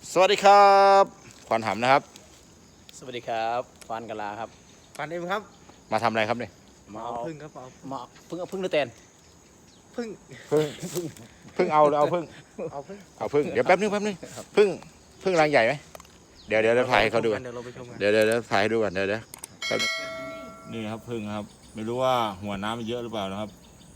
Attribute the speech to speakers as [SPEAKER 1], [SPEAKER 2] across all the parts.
[SPEAKER 1] สวัสดีครับขวัญหำนะครับ
[SPEAKER 2] สวัสดีครับฟานกะลาครับ
[SPEAKER 3] ฟันเอ็มครับ
[SPEAKER 1] มาทำอะไรครับเนี่ย
[SPEAKER 2] มา
[SPEAKER 3] เอา
[SPEAKER 2] เอา
[SPEAKER 3] พึ่งครับเอา
[SPEAKER 2] มาพึ่งหรือแตน
[SPEAKER 3] พึ่ง
[SPEAKER 1] พึ่งเอาพึ่ง
[SPEAKER 3] เอาพึ่ง
[SPEAKER 1] เอาพึ่งเดี๋ยวแป๊บนึงพึ่งรังใหญ่ไหมเดี๋ยวถ่ายให้เขาดู
[SPEAKER 3] เดี๋ยวเราไปชมกัน
[SPEAKER 1] เดี๋ยวถ่ายให้ดูก่อนเดี๋ยวนี่ครับพึ่งนะครับไม่รู้ว่าหัวน้ำมันเยอะหรือเปล่านะครับ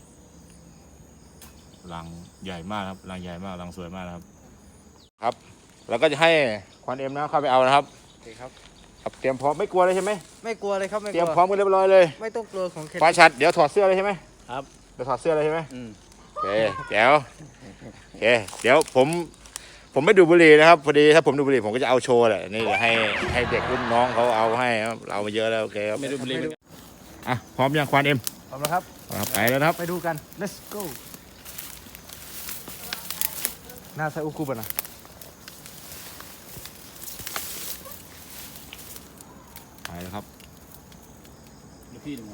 [SPEAKER 1] รังใหญ่มากครับรังใหญ่มากรังสวยมากนะครับครับเราก็จะให้ควันเอ็มนะเข้าไปเอานะครับ
[SPEAKER 3] โอเคครับ
[SPEAKER 1] ครับเตรียมพร้อมไม่กลัวเลยใช่ไหม
[SPEAKER 3] ไม่กลัวเลยครับไม่
[SPEAKER 1] เต
[SPEAKER 3] ก
[SPEAKER 1] รี
[SPEAKER 3] ลั
[SPEAKER 1] ยว มพร้อมกันเรียบร้อยเลย
[SPEAKER 3] ไม่ต้องกลัวของเคน
[SPEAKER 1] ฟ้าชัดเดี๋ยวถอดเสื้อเลยใช่ไหม
[SPEAKER 2] ครับ
[SPEAKER 1] เดี๋ยวถอดเสื้อเลยใช่ไหม
[SPEAKER 2] อืม
[SPEAKER 1] โอเคเดี๋ยวโอเคเดี๋ยวผมไม่ดูดบุหรี่นะครับพอดีถ้าผมดูดบุหรี่ผมก็จะเอาโชว์แหละนี่เดี๋ยวให้เด็กรุ่นน้องเขาเอาให้ครับเรามาเยอะแล้วโอเคครับ
[SPEAKER 2] ไม่ดูบุหรี่เหมือนกัน
[SPEAKER 1] อ่ะพร้อมยังควานเอ็ม
[SPEAKER 3] พร้อมแล้วครับ
[SPEAKER 1] ครับไปแล้วนะครับ
[SPEAKER 3] ไปดูกัน let's go หน้าใส่อุกุบะนะ
[SPEAKER 1] ไปแล้วครับ
[SPEAKER 2] เดี๋ยวพี่เดี๋ยวมา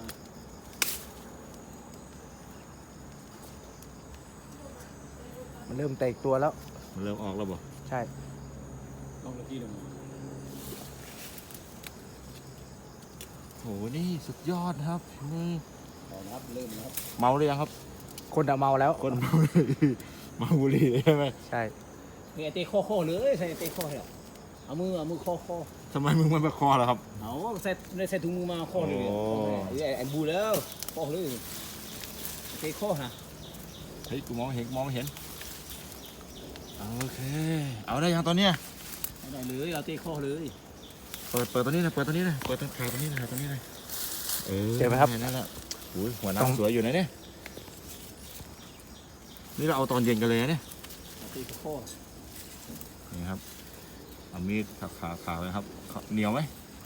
[SPEAKER 3] มันเริ่มแตกตัวแล้ว
[SPEAKER 1] มันเริ่มออกแล้วบ่
[SPEAKER 3] ใช่
[SPEAKER 2] ลองเดี๋ยวพี่เดี๋ยวมา
[SPEAKER 1] โหนี่สุดยอดนะครับนี่
[SPEAKER 2] เอานะครับเริ่มนะครับ
[SPEAKER 1] เมาหรือยังครับ
[SPEAKER 3] คนอะเมาแล้ว
[SPEAKER 1] คนเมาเมาบุหรี่ใช่ไหม
[SPEAKER 3] ใช่
[SPEAKER 2] นี่ไอเต้ข้อเลยใส่ไอเต้ข้อให้หรอเอามือข้อ
[SPEAKER 1] ทำไมมึงมันประคอเหรอครับ
[SPEAKER 2] เอาใส่ถุงมือมาข้อเลย
[SPEAKER 1] โอ้
[SPEAKER 2] ไอ้บูแล้วข้อเลยไอเต้ข้อฮะ
[SPEAKER 1] เฮ้ยกูมองไม่เห็นโอเคเอาได้ยังตอนเนี้ย
[SPEAKER 2] เอาได้เลยเอาเต้ข้อเลย
[SPEAKER 1] เปิดตัวนี้นะเปิดตัวนี้นะเปิดตัวถ่ายตัวนี้นะถ่ายตัวนี้นะ
[SPEAKER 3] เจอไหมครับ
[SPEAKER 1] นั่นแหละอุ้ยหัว
[SPEAKER 3] ต้อง
[SPEAKER 1] น้ำสวยอยู่นะเนี่ยนี่เราเอาตอนเย็นกันเลยนะเนี่ย
[SPEAKER 2] เอาเต้ข้อ
[SPEAKER 1] นี่ครับเอามีดขาเลยครับเหนียวไหม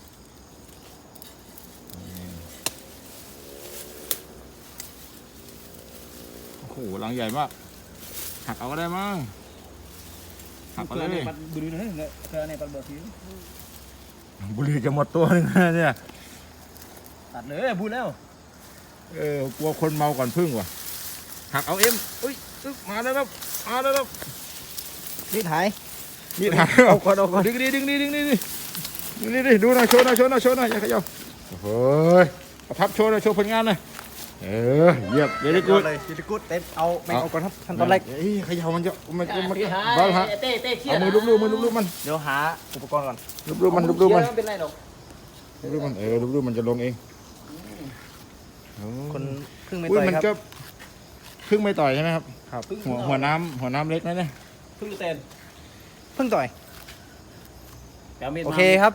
[SPEAKER 1] โอ้โหรังใหญ่มากหักเอาก็ได้มั้งหักเอา
[SPEAKER 2] เพื่
[SPEAKER 1] เล
[SPEAKER 2] อนใน
[SPEAKER 1] ย
[SPEAKER 2] ปัดบุหรี่นะเพื่อนในปัดเบอร์ที
[SPEAKER 1] บุหรี่จะหมดตัวนึงนะเนี่ย
[SPEAKER 2] ตัดเลยบูแล้ว
[SPEAKER 1] กลัวคนเมาก่อนพึ่งว่ะหักเอาเอ็มอุ้ยมาแล้วครับมาแล้วครับ
[SPEAKER 3] นี่ถ่าย
[SPEAKER 1] มีดหัก
[SPEAKER 3] เอาก่อนเอาก่อน
[SPEAKER 1] ดึงดิดูหน่อยโชว์หน่อยอย่าเขย่าโอ้ยเอาพับโชว์หน่อยโชว์ผลงานหน่อยเยี่ยมเวลี่กูด
[SPEAKER 3] เลยยูนิกูดเต็มเอาไม่เอาก่อนครับขั้นตอนแรก
[SPEAKER 1] เขย่ามันจะมัน
[SPEAKER 2] พี่หา
[SPEAKER 1] บ้าฮะ
[SPEAKER 2] เต้เครีย
[SPEAKER 1] เอา
[SPEAKER 2] ด
[SPEAKER 1] มือลูบมัน
[SPEAKER 3] เดี๋ยวหาอุปกรณ์ก่อน
[SPEAKER 1] ลูบมัน
[SPEAKER 2] ไม่เป็นไรหรอก
[SPEAKER 1] ลูบมันจะลงเอง
[SPEAKER 3] คนพึ่งไม่
[SPEAKER 1] อุ้
[SPEAKER 3] ต่
[SPEAKER 1] ย
[SPEAKER 3] อย
[SPEAKER 1] มัน
[SPEAKER 3] ครับ
[SPEAKER 1] ก็พึ่งไม่ต่อยใช่ไหมครับ
[SPEAKER 3] ครับ
[SPEAKER 1] หัวน้ำเล็กนะเนี่ย
[SPEAKER 2] พึ่งเตน
[SPEAKER 3] พึ่งต่อย
[SPEAKER 2] เดี๋ยวมีด
[SPEAKER 3] โอเคครับ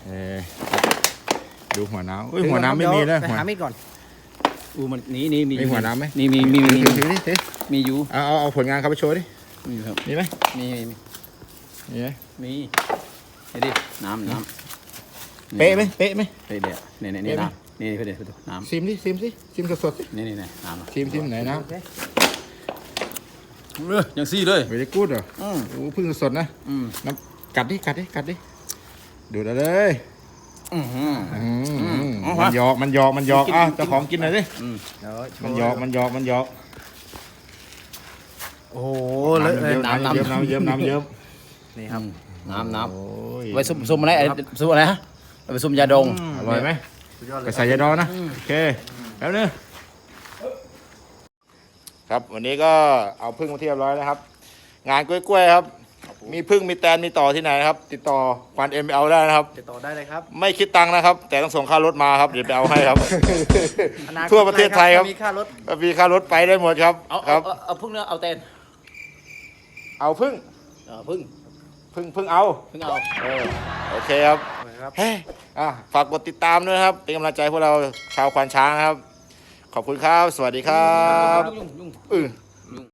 [SPEAKER 1] ดูหัวน้ำอุ้ยหัวน้ำไม่มีแล้ว
[SPEAKER 3] ไปหามีดก่อน
[SPEAKER 2] มันนี่มี
[SPEAKER 1] มีหัวน้ำไหม
[SPEAKER 2] มี
[SPEAKER 1] ถือดิ
[SPEAKER 2] มีอยู่
[SPEAKER 1] เอาผลงานเขาไปโชว์ดิ
[SPEAKER 2] มีครับ
[SPEAKER 1] มีไหม
[SPEAKER 2] มี
[SPEAKER 1] มีไหม
[SPEAKER 2] นี่ดิน้ำ
[SPEAKER 1] เป๊ะไหม
[SPEAKER 2] เดี๋ยวนี่น้ำนี่เพื่อนดูน้ำ
[SPEAKER 1] ซิมสดๆสิ
[SPEAKER 2] นี่น้ำ
[SPEAKER 1] ซิมไหนน้
[SPEAKER 2] ยังซี่เลย
[SPEAKER 1] ำเวลี่กูดเหรอโอ้พึ่งสดนะน้ำกัดดิดูดเอาเลยมันหยอกอ่ะเจ้าของกินหน่อยดิ
[SPEAKER 3] เดี๋ยว
[SPEAKER 1] มันหยอก
[SPEAKER 3] โอ้โหเลอะเลย
[SPEAKER 1] น้ำเยิ้ม
[SPEAKER 3] นี่ครับ
[SPEAKER 2] น้ำ
[SPEAKER 1] โอ้ย
[SPEAKER 2] ไว้ซุ่มอะไรซุ่มอะไรฮะไปซุ่มยาดอง
[SPEAKER 1] อร่อยไหม
[SPEAKER 3] สุดยอดเล
[SPEAKER 1] ไป
[SPEAKER 3] ย
[SPEAKER 1] ใส่ยาดองนะโอเคแล้วเนี่ยครับวันนี้ก็เอาพึ่งมาที่เรียบร้อยแล้วครับ งานกล้วยๆครับ มีพึ่งมีแตนมีต่อที่ไหนนะครับ ติดต่อควันเอ็มเอาได้นะครับ
[SPEAKER 3] ติดต่อได้เลยครับ
[SPEAKER 1] ไม่คิดตังค์นะครับ แต่ต้องส่งค่ารถมาครับเดี๋ยวไปเอาให้ครับ ทั่วประเทศไทยครับ
[SPEAKER 3] มีค่ารถ
[SPEAKER 1] มีค่ารถไปได้หมดครับ
[SPEAKER 2] เอาพึ่งเนื้อเอาเตน
[SPEAKER 1] เอาพึ่ง
[SPEAKER 2] พึ่ง
[SPEAKER 1] เอา
[SPEAKER 2] เอา
[SPEAKER 1] โอเคครับ
[SPEAKER 3] ครับ
[SPEAKER 1] เฮ้ยฝากกดติดตามด้วยนะครับ เป็นกำลังใจพวกเราชาวควานช้างนะครับ ขอบคุณครับ สวัสดีครับ
[SPEAKER 2] ยุ่ง